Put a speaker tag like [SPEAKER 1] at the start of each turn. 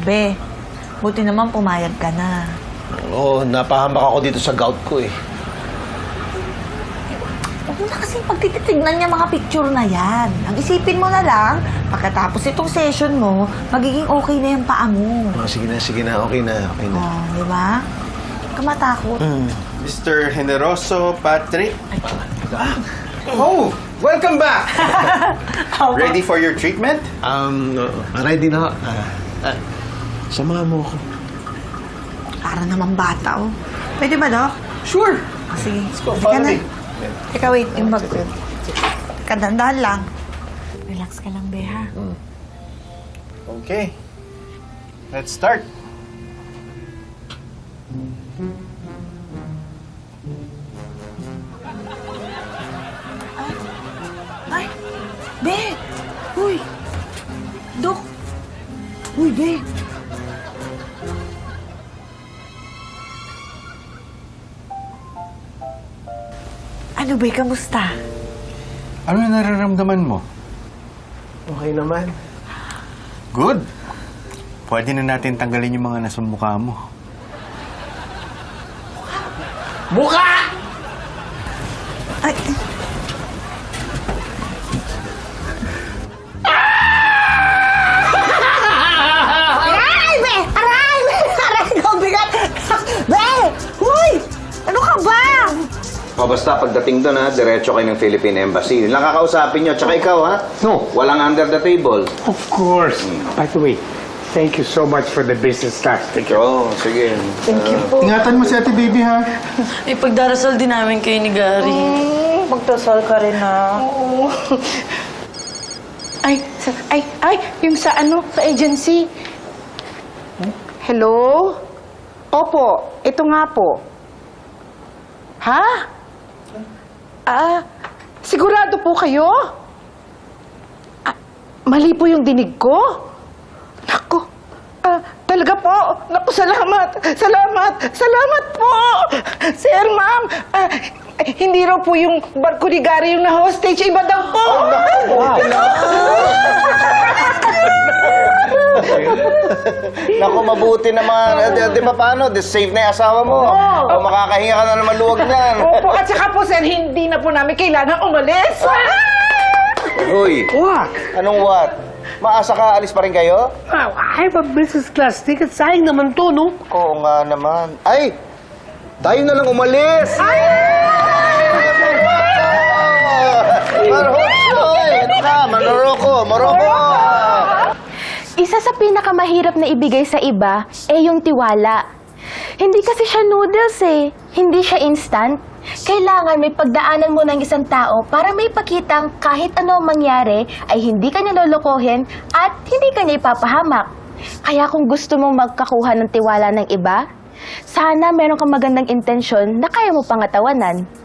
[SPEAKER 1] Be, buti naman pumayag ka na.
[SPEAKER 2] Oo, napahamak ako dito sa gout ko eh.
[SPEAKER 1] Huwag mo na kasing pagtititignan niya mga picture na yan. Ang isipin mo na lang, pagkatapos itong session mo, magiging okay na yung paa mo.
[SPEAKER 2] Sige na, okay na.
[SPEAKER 1] Oh, di ba? Huwag ka matakot.
[SPEAKER 3] Mr. Generoso Patrick. Oh, welcome back! Ready for your treatment?
[SPEAKER 2] Ready na. Samahan mo ako.
[SPEAKER 1] Para naman bata, oh. Pwede ba, Doc?
[SPEAKER 3] Sure.
[SPEAKER 1] Sige.
[SPEAKER 3] Let's go,
[SPEAKER 1] Teka
[SPEAKER 3] follow
[SPEAKER 1] na.
[SPEAKER 3] me.
[SPEAKER 1] Teka, wait. Yung bag ko. Kadandahan lang. Relax ka lang, Be, ha?
[SPEAKER 3] Okay. Let's start.
[SPEAKER 1] Ay! Be! Uy! Dok! Uy, Be! Ano, Be? Kamusta?
[SPEAKER 3] Ano yung nararamdaman mo?
[SPEAKER 2] Okay naman.
[SPEAKER 3] Good. Pwede na natin tanggalin yung mga nasa mukha mo.
[SPEAKER 1] Ay! Aray, Be! Aray, Be! Aray, ikaw bigat! Be! Uy! Ano ka ba?
[SPEAKER 4] O basta pagdating doon ha, diretso kayo ng Philippine Embassy. Yun lang kakausapin nyo. Tsaka ikaw ha?
[SPEAKER 5] No.
[SPEAKER 4] Walang under the table.
[SPEAKER 5] Of course. By the way, thank you so much for the business class ticket.
[SPEAKER 4] Oo, sige.
[SPEAKER 3] Ingatan mo si Ate Baby, ha?
[SPEAKER 6] Ipagdarasal din namin kayo ni Gary.
[SPEAKER 1] Magdasal ka rin, ha?
[SPEAKER 7] Ay, yung sa sa agency. Hello? Opo, ito nga po. Ha? Sigurado po kayo? Mali po yung dinig ko? Naku, talaga po. Naku, salamat. Salamat po. Sir, ma'am, hindi raw po yung barko ni Gary yung na-hostage. Iba daw po.
[SPEAKER 4] Naku, mabuti naman. Di ba paano? Safe na yung asawa mo. O makakahinga ka na naman luwag niyan.
[SPEAKER 7] Opo, at saka po, sir, hindi na po namin kailangan umalis.
[SPEAKER 4] Uy,
[SPEAKER 5] What?
[SPEAKER 4] anong what? Maasa ka, alis pa rin kayo?
[SPEAKER 5] I have a business class ticket. Sayang naman to, no?
[SPEAKER 4] Oo nga naman. Ay! Tayo na lang umalis! Ay! Marhosoy! Ito ka, Morocco!
[SPEAKER 8] Isa sa pinakamahirap na ibigay sa iba ay yung tiwala. Hindi kasi siya noodles eh. Hindi siya instant. Kailangan may pagdaanan mo ng isang tao para may pakitang kahit ano ang mangyari ay hindi ka niya lolokohin at hindi ka niya ipapahamak. Kaya kung gusto mong magkakuha ng tiwala ng iba, sana meron kang magandang intensyon na kaya mo pangatawanan.